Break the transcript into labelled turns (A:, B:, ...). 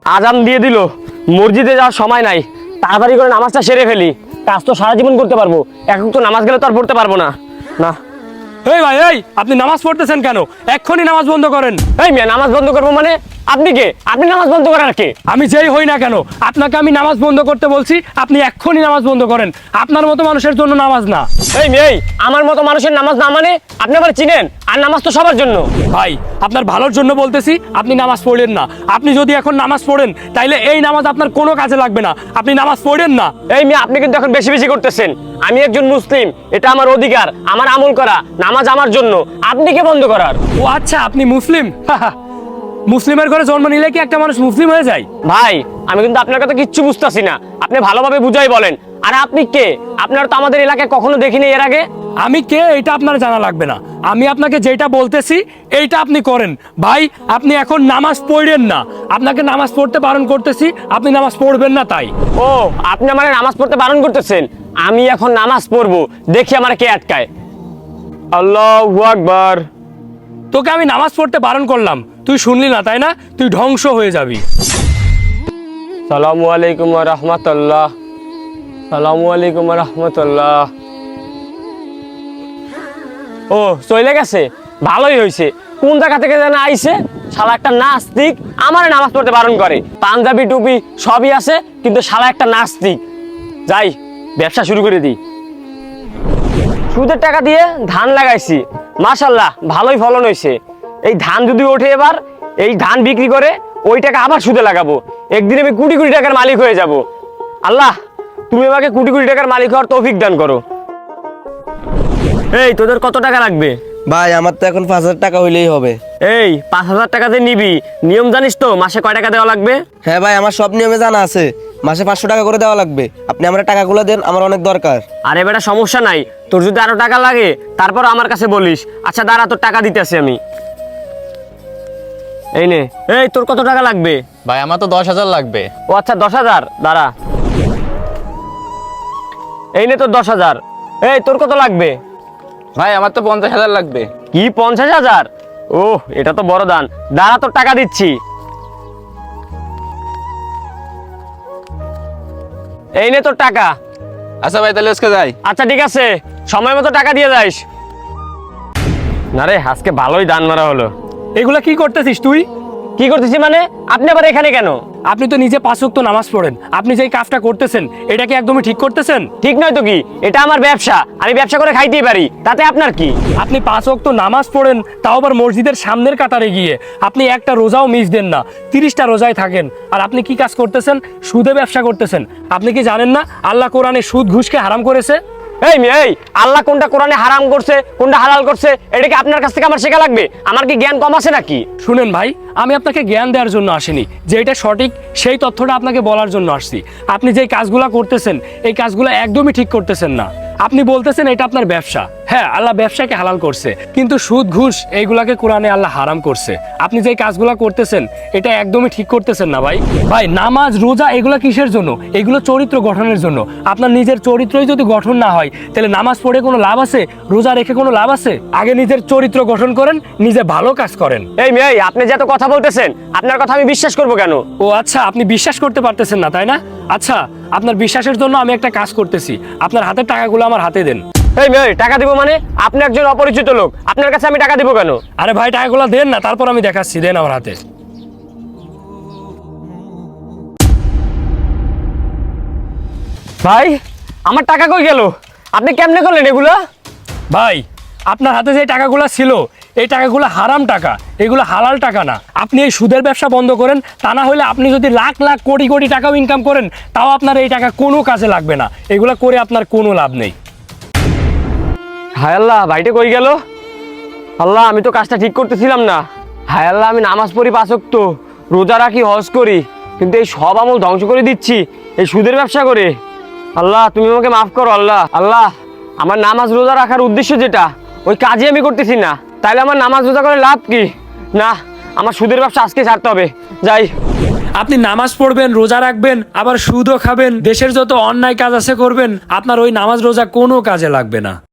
A: আজান দিয়ে দিল, মসজিদে যাওয়ার সময় নাই, তাড়াতাড়ি করে নামাজটা সেরে ফেলি। কাজ তো সারা জীবন করতে পারবো, এখন তো নামাজ গেলে তো আর পড়তে পারবো না। না
B: এই ভাই, এই আপনি নামাজ পড়তেছেন কেন? এক্ষুনি নামাজ বন্ধ করেন।
A: এই মিয়া, নামাজ বন্ধ করবো মানে? আপনি কে? আপনি নামাজ বন্ধ করার কে?
B: আমি যেই হই না কেন, আপনাকে আমি নামাজ বন্ধ করতে বলছি, আপনি এক্ষুনি নামাজ বন্ধ করেন। আপনার মতো মানুষের জন্য নামাজ না।
A: এই মেয়ে, আমার মতো মানুষের নামাজ না মানে? আপনি আমার চিনেন? আর নামাজ তো সবার জন্য।
B: ভাই, আপনার ভালোর জন্য বলতেছি, আপনি নামাজ পড়েন না। আপনি যদি এখন নামাজ পড়েন, তাইলে এই নামাজ আপনার কোনো কাজে লাগবে না। আপনি নামাজ পড়েন না।
A: এই মেয়ে, আপনি কিন্তু এখন বেশি বেশি করতেছেন। আমি একজন মুসলিম, এটা আমার অধিকার, আমার আমল করা, নামাজ আমার জন্য। আপনি কে বন্ধ করার?
B: ও আচ্ছা, আপনি মুসলিম। মুসলিমের ঘরে জন্ম নিলে কি একটা মানুষ মুসলিম হয়ে যায়?
A: ভাই, আমি কিন্তু আপনার কথা কিচ্ছু বুঝতেছি না। আপনি ভালোভাবে বুঝাই বলেন। আর আপনি কে? আপনার তো আমাদের এলাকায় কখনো দেখিনি এর আগে।
B: আমি কে এটা আপনার জানা লাগবে না। আমি আপনাকে যেটা বলতেছি এইটা আপনি করেন। ভাই, আপনি এখন নামাজ পড়েন না। আপনাকে নামাজ পড়তে বারণ করতেছি, আপনি নামাজ পড়বেন না তাই।
A: ও, আপনি আমার নামাজ পড়তে বারণ করতেছেন? আমি এখন নামাজ পড়বো, দেখি আমার কে আটকায়। আল্লাহু আকবার।
B: তোকে আমি নামাজ পড়তে বারণ করলাম, তুই শুনলি না তাই না? তুই ধ্বংস হয়ে যাবি।
A: সালামু আলাইকুম ওয়া রাহমাতুল্লাহ। সালামু আলাইকুম ওয়া রাহমাতুল্লাহ। ও, চলে গেছে? ভালোই হয়েছে। কোন জায়গা থেকে যেন আইছে, শালা একটা নাস্তিক আমার নামাজ পড়তে বারণ করে। পাঞ্জাবি টুপি সবই আছে, কিন্তু শালা একটা নাস্তিক। যাই, ব্যবসা শুরু করে দিই। সুদের টাকা দিয়ে ধান লাগাইছি, মাশাল্লাহ ভালোই ফলন হয়েছে। এই ধান যদি ওঠে এবার, এই ধান বিক্রি করে ওই টাকা আবার সুদে লাগাবো। একদিন আমি কোটি কোটি টাকার মালিক হয়ে যাব। আল্লাহ, তুমি আমাকে কোটি কোটি টাকার মালিক হওয়ার তৌফিক দান করো। এই, তোদের কত টাকা লাগবে?
C: ভাই, আমার তো এখন 5,000 টাকা হইলেই হবে।
A: এই 5,000 টাকাতে নিবি? নিয়ম জানিস তো? মাসে কয় টাকা দেওয়া লাগবে?
C: হ্যাঁ ভাই, আমার সব নিয়মে জানা আছে। মাসে 500 টাকা করে দেওয়া লাগবে। আপনি আমার টাকাগুলো দেন, আমার অনেক দরকার।
A: আরে বেটা, সমস্যা নাই। তোর যদি আরো টাকা লাগে তারপর আমার কাছে বলিস। আচ্ছা দাঁড়া, তোর টাকা দিতেছি আমি। এই নে। এই, তোর কত টাকা লাগবে?
D: ভাই, আমার তো 10,000 লাগবে।
A: ও আচ্ছা, 10,000। দাঁড়া, এই নে তোর 10,000। এই, তোর কত লাগবে?
D: ভাই, আমার তো 50,000 লাগবে।
A: কি 50,000? ওহ, এটা তো বড় দান। দাঁড়া, তোর টাকা দিচ্ছি। এই নে তোর টাকা।
D: আচ্ছা ভাই, তাহলে আজকে যাই।
A: আচ্ছা ঠিক আছে, সময় মতো টাকা দিয়ে যাইস। না রে, আজকে ভালোই দান মারা হলো।
B: এগুলা কি করতেছিস তুই?
A: কি করতেছি মানে? আপনি আবার এখানে কেন?
B: আপনি তো নিজে 5 ওয়াক্ত নামাজ পড়েন। আপনি যেই কাজটা করতেছেন, এটা কি একদমই ঠিক করতেছেন?
A: ঠিক নয় তো কি? এটা আমার ব্যবসা, আমি ব্যবসা করে খাইতেই পারি, তাতে আপনার কি?
B: আপনি 5 ওয়াক্ত নামাজ পড়েন, তাও আবার মসজিদের সামনের কাতারে গিয়ে। আপনি একটা রোজাও মিস দেন না, 30টা রোজায় থাকেন। আর আপনি কি কাজ করতেছেন? সুদে ব্যবসা করতেছেন। আপনি কি জানেন না আল্লাহ কোরআনে সুদ ঘুষকে হারাম করেছে?
A: এই মেয়ে, এই আল্লাহ কোনটা কোরআনে হারাম করছে, কোনটা হালাল করছে, এটা কি আপনার কাছ থেকে আমার শেখা লাগবে? আমার কি জ্ঞান কম আছে নাকি?
B: শুনেন ভাই, আমি আপনাকে জ্ঞান দেওয়ার জন্য আসিনি, যে এটা সঠিক সেই তথ্যটা আপনাকে বলার জন্য আসছি। আপনি যেই কাজগুলো করতেছেন, এই কাজগুলো একদমই ঠিক করতেছেন না। আপনি বলতেছেন এটা আপনার ব্যবসা। হ্যাঁ, আল্লাহ ব্যবসাকে হালাল করছে, কিন্তু সুদ ঘুষ এইগুলাকে কোরআনে আল্লাহ হারাম করছে। আপনি যেই কাজগুলো করতেছেন, এটা একদমই ঠিক করতেছেন না ভাই। ভাই, নামাজ রোজা এগুলো কিসের জন্য? এগুলো চরিত্র গঠনের জন্য। আপনার নিজের চরিত্রই যদি গঠন না হয়, তাহলে নামাজ পড়ে কোনো লাভ আছে? রোজা রেখে কোনো লাভ আছে? আগে নিজের চরিত্র গঠন করেন, নিজে ভালো কাজ করেন।
A: এই মেয়ে, আপনি যে এত কথা বলতেছেন, আপনার কথা আমি বিশ্বাস করবো কেন?
B: ও আচ্ছা, আপনি বিশ্বাস করতে পারতেছেন না তাই না? আচ্ছা, আপনার বিশ্বাসের জন্য আমি একটা কাজ করতেছি। আপনার হাতের টাকাগুলো আমার হাতে দেন।
A: এই মেয়ে, টাকা দিব মানে? আপনি একজন অপরিচিত লোক, আপনার কাছে আমি টাকা দিব কেন?
B: আরে ভাই, টাকাগুলো দেন না, তারপর আমি দেখাচ্ছি। দেন আমার হাতে।
A: ভাই, আমার টাকা কই গেল? আপনি কেমনে করলেন এগুলো?
B: ভাই, আপনার হাতে যে টাকাগুলো ছিল, এই টাকাগুলো হারাম টাকা, এগুলো হালাল টাকা না। আপনি এই সুদের ব্যবসা বন্ধ করেন, তা না হলে আপনি যদি লাখ লাখ কোটি কোটি টাকাও ইনকাম করেন, তাও আপনার এই টাকা কোনো কাজে লাগবে না। এগুলো করে আপনার কোনো লাভ নেই।
A: হায় আল্লাহ, ভাইটা কই গেল? আল্লাহ, আমি তো কাজটা ঠিক করতেছিলাম না। হায় আল্লাহ, আমি নামাজ পড়ি 5 ওয়াক্ত, রোজা রাখি, হজ করি, কিন্তু এই সব আমল ধ্বংস করে দিচ্ছি এই সুদের ব্যবসা করে। আল্লাহ, তুমি আমাকে মাফ করো। আল্লাহ, আল্লাহ, আমার নামাজ রোজা রাখার উদ্দেশ্য যেটা, ওই কাজই আমি করতেছি না। তাইলে আমার নামাজ রোজা করে লাভ কি? না, আমার সুদের ব্যবসা আজকে ছাড়তে হবে। যাই।
B: আপনি নামাজ পড়বেন, রোজা রাখবেন, আবার সুদও খাবেন, দেশের যত অন্যায় কাজ আছে করবেন, আপনার ওই নামাজ রোজা কোনো কাজে লাগবে না।